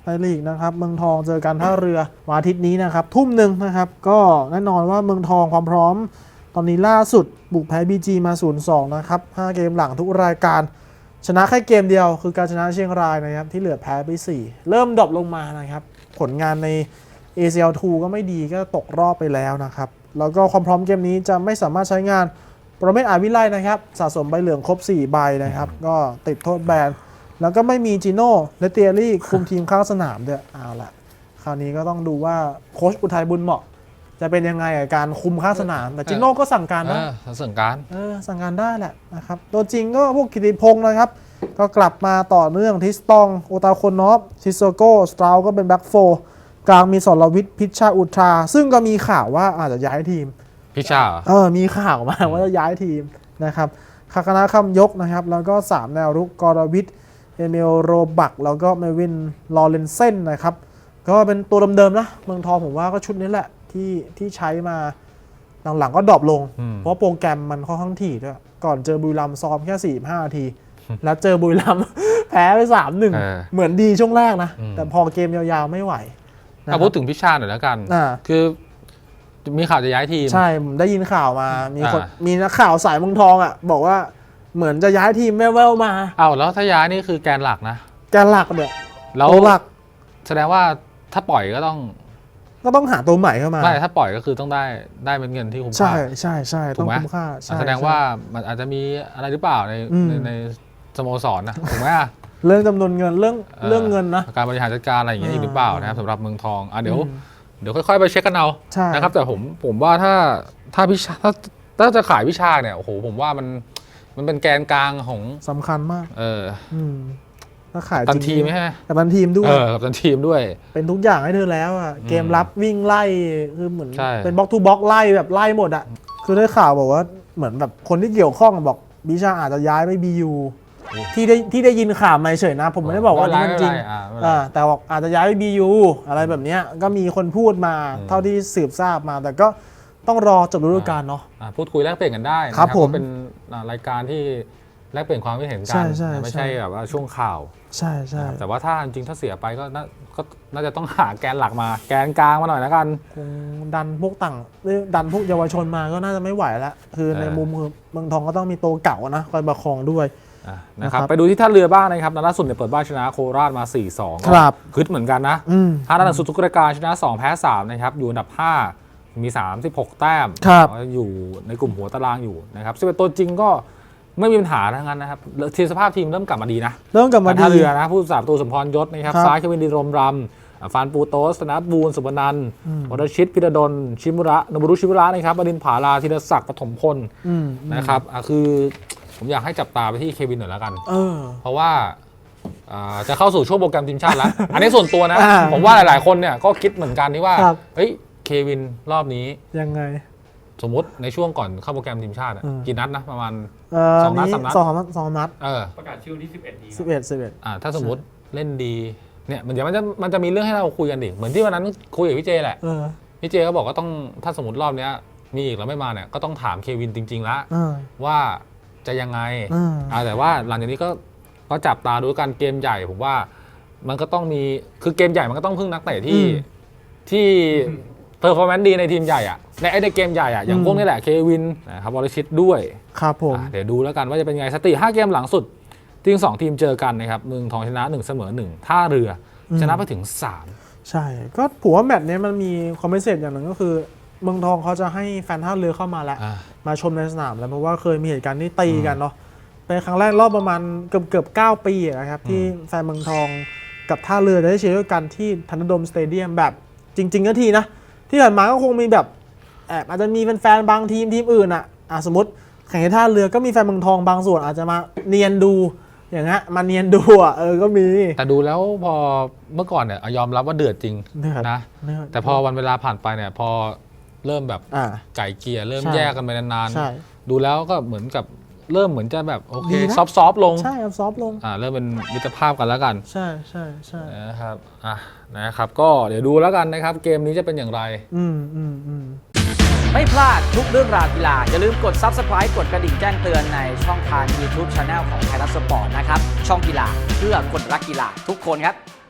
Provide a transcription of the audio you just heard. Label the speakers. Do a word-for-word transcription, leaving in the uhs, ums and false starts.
Speaker 1: ไทยลีกนะครับเมืองทองเจอกันท่าเรือวันอาทิตย์นี้นะครับทุ่มหนึ่งนะครับก็แน่นอนว่าเมืองทองความพร้อมตอนนี้ล่าสุดบุกแพ้ บี จี มา ศูนย์ สอง นะครับห้าเกมหลังทุกรายการชนะแค่เกมเดียวคือการชนะเชียงรายนะครับที่เหลือแพ้ไปสี่เริ่มดรอปลงมานะครับผลงานใน เอ ซี แอล ทู ก็ไม่ดีก็ตกรอบไปแล้วนะครับแล้วก็ความพร้อมเกมนี้จะไม่สามารถใช้งานโปรเมศอาวิไลนะครับสะสมใบเหลืองครบสี่ใบนะครับก็ติดโทษแบนแล้วก็ไม่มีจิโน่และเตียรี่คุมทีมข้างสนามด้วยเอาละคราวนี้ก็ต้องดูว่าโค้ชอุทัยบุญเหมาะจะเป็นยังไงกับการคุมข้างสนามแต่จิโน่ก็สั่งการนะ
Speaker 2: สั่งการ
Speaker 1: เออสั่งการได้แหละนะครับตัวจริงก็พวกกิติพงศ์นะครับก็กลับมาต่อเนื่องทิสตองโอตาโคนอฟซิโซโกสตราวก็เป็นแบ็กโฟกลางมีสรวิทย์พิชชาอุทราซึ่งก็มีข่าวว่าอาจจะย้ายทีม
Speaker 2: พิชชา
Speaker 1: เออมีข่าวมาว่าจะย้ายทีมนะครับคาคานะคำยกนะครับแล้วก็สามแนวรุกกรวิทย์เอเมลโรบักแล้วก็เมวินลอเรนเซนนะครับก็เป็นตัวเดิมๆนะเมืองทองผมว่าก็ชุดนี้แหละที่ที่ใช้มาหลังๆก็ดรอปลงเพราะโปรแกรมมันค่อนข้างถี่ด้วยก่อนเจอบุรีรัมย์ซ้อมแค่สี่สิบห้านาทีแล้วเจอบุรีรัมย์แพ้ไป สามหนึ่ง เหมือนดีช่วงแรกนะแต่พอเกมยาวๆไม่ไหว
Speaker 2: เอาพูดถึงพิชชาหน่อยแล้วกันคือมีข่าวจะย้ายทีม
Speaker 1: ใช่ผมได้ยินข่าวมามีคนมีนักข่าวสายเมืองทองอ่ะบอกว่าเหมือนจะย้ายทีมแม่แววมา
Speaker 2: เอาแล้วถ้าย้ายนี่คือแกนหลักนะ
Speaker 1: แกนหลักเนี่ย
Speaker 2: แล้วหลักแสดงว่าถ้าปล่อยก็ต้อง
Speaker 1: ก็ต้องหาตัวใหม่เข้ามา
Speaker 2: ไม่ถ้าปล่อยก็คือต้องได้ได้เป็นเงินที่คุ้มค่า
Speaker 1: ใช่ใช่ใช่ต้องคุ้มค่า
Speaker 2: แสดงว่ามันอาจจะมีอะไรหรือเปล่าในในสโมสรนะถูกไหม
Speaker 1: เรื่องจำนวนเงินเรื่องเรื่องเงินนะ
Speaker 2: การบริหารจัดการอะไรอย่างเงี้ยหรือเปล่านะครับสำหรับเมืองทองอ่ะเดี๋ยวเดี๋ยวค่อยๆไปเช็คกันเอานะครับแต่ผมผมว่าถ้าถ้าพิชาถ้าถ้าจะขายพิชาเนี่ยโอ้โหผมว่ามันมันเป็นแกนกลางของ
Speaker 1: สำคัญมาก
Speaker 2: เออ
Speaker 1: ถ้าขาย
Speaker 2: ตันทีมใช่ไหม
Speaker 1: กับตันทีมด้วย
Speaker 2: เออกับตันทีมด้วย
Speaker 1: เป็นทุกอย่างให้เธอแล้วอ่ะเกมรับวิ่งไล่คือเหมือนเป็นบล็อกทูบล็อกไล่แบบไล่หมดอ่ะคือได้ข่าวบอกว่าเหมือนแบบคนที่เกี่ยวข้องบอกพิชาอาจจะย้ายไปบียูที่ได้ที่ได้ยินข่าวมาเฉยนะผมไม่ได้บอกว่านี่มันจริงแต่บอกอาจจะย้ายไปบียูอะไรแบบนี้ก็มีคนพูดมาเท่าที่สืบทราบมาแต่ก็ต้องรอจบฤดูกาลเนาะ
Speaker 2: พูดคุยแลกเปลี่ยนกันได้
Speaker 1: ครับผม
Speaker 2: เป็นรายการที่แลกเปลี่ยนความคิดเห็นกันไม่ใช่แบบว่าช่วงข่าว
Speaker 1: ใช่ใช่
Speaker 2: แต่ว่าถ้าจริงถ้าเสียไปก็ก็น่าจะต้องหาแกนหลักมาแกนกลางมาหน่อยแล้วกัน
Speaker 1: คงดันพวกต่างดันพวกเยาวชนมาก็น่าจะไม่ไหวแล้วคือในมุมคือเมืองทองก็ต้องมีตัวเก่านะคอยประคองด้วย
Speaker 2: นะครับไปดูที่ท่าเรือบ้างนะครับนัดล่าสุดเนี่ยเปิดบ้านชนะโคราชมา สี่สอง
Speaker 1: ครับ
Speaker 2: คึดเหมือนกันนะท่านัดสุดทุกรายการชนะสองแพ้สามนะครับอยู่อันดับห้ามีสามสิบหกแต้มอยู่ในกลุ่มหัวตารางอยู่นะครับซึ่งเป็นตัวจริงก็ไม่มีปัญหาทั้งนั้นนะครับทีมสภาพทีมเริ่มกลับมาดีนะ
Speaker 1: เริ่มกลับมาดี
Speaker 2: ท่าเรือนะผู้สาประตูสมพรยศนะครับซ้ายเควินดีรมรำฟานปูโตสธนบูลสุบนันท์วรชิตพิรดลชิมุระนบุรุชิมุระนะครับบดินผาลาธีรศักดิ์ปฐมพลนะครับคือผมอยากให้จับตาไปที่เควินหน่อยแล้วกันเออเพราะว่าจะเข้าสู่ช่วงโปรแกรมทีมชาติแล้วอันนี้ส่วนตัวนะผมว่าหลายๆคนเนี่ยก็คิดเหมือนกันที่ว่าเฮ้ยเควินรอบนี้
Speaker 1: ยังไง
Speaker 2: สมมติในช่วงก่อนเข้าโปรแกรมทีมชาติกี่นัดนะประมาณ
Speaker 1: สองนัดสามนัดสองนัดสองนัด
Speaker 3: ประกาศชื่อที่สิบเอ็ดนี้
Speaker 1: สิบเอ็ดสิบเอ็ด
Speaker 2: อ่าถ้าสมมติเล่นดีเนี่ยมันจะมันจะมันจะมีเรื่องให้เราคุยกันดิเหมือนที่วันนั้นคุยกับพี่เจแหละพี่เจก็บอกว่าต้องถ้าสมมติรอบนี้มีอีกแล้วไม่มาเนี่ยก็ต้องถามเควินจริงๆแล้วว่าจะยังไงอ่าแต่ว่าหลังจากนี้ก็ก็จับตาดูกันเกมใหญ่ผมว่ามันก็ต้องมีคือเกมใหญ่มันก็ต้องพึ่งนักเตะที่ที่เพอร์ฟอร์แมนซ์ดีในทีมใหญ่อะในไอ้ในเกมใหญ่อะอย่างพวกนี้แหละเควินนะครับวรชิตด้วย
Speaker 1: ครับผม
Speaker 2: เดี๋ยวดูแล้วกันว่าจะเป็นไงสถิติห้าเกมหลังสุดทีมสองทีมเจอกันนะครับเมืองทองชนะหนึ่งเสมอหนึ่งท่าเรือชนะไปถึงสาม
Speaker 1: ใช่ก็ผมว่าแมตช์นี้มันมีความพิเศษอย่างหนึ่งก็คือเมืองทองเขาจะให้แฟนท่าเรือเข้ามาแล้วมาชมในสนามแล้วเพราะว่าเคยมีเหตุการณ์ที่ตีกันเนาะเป็นครั้งแรกรอบประมาณเกือบเกือบเก้าปีนะครับที่แฟนเมืองทองกับท่าเรือได้เชียร์ด้วยกันที่ธันดมสเตเดียมแบบจริงๆก็ทีนะที่ผ่านมาก็คงมีแบบแอบอาจจะมีแฟนๆบางทีมทีมอื่นอ่ะอ่ะสมมติแข่งในท่าเรือก็มีแฟนเมืองทองบางส่วนอาจจะมาเนียนดูอย่างเงี้ยมาเนียนดูอ่ะเออก็มี
Speaker 2: แต่ดูแล้วพอเมื่อก่อนเนี่ยยอมรับว่าเดือดจริงนะแต่พอวันเวลาผ่านไปเนี่ยพอเริ่มแบบไก่เกียร์เริ่มแยกกันไปนานๆดูแล้วก็เหมือนกับเริ่มเหมือนจะแบบโอเคซอฟต์ๆลง
Speaker 1: ใช่ซอฟต์ลง
Speaker 2: อ่าเริ่มเป็นมิตรภาพกันแล้วกัน
Speaker 1: ใช่ใช่ใช่
Speaker 2: นะครับอ่ะนะครับก็เดี๋ยวดูแล้วกันนะครับเกมนี้จะเป็นอย่างไร
Speaker 1: อืมอืมอืม
Speaker 4: ไม่พลาดทุกเรื่องราวกีฬาอย่าลืมกด ซับสไครบ์ กดกระดิ่งแจ้งเตือนในช่องทาง ยูทูบ Channel ของไทยรัฐสปอร์ตนะครับช่องกีฬาเพื่อคนรักกีฬาทุกคนครับ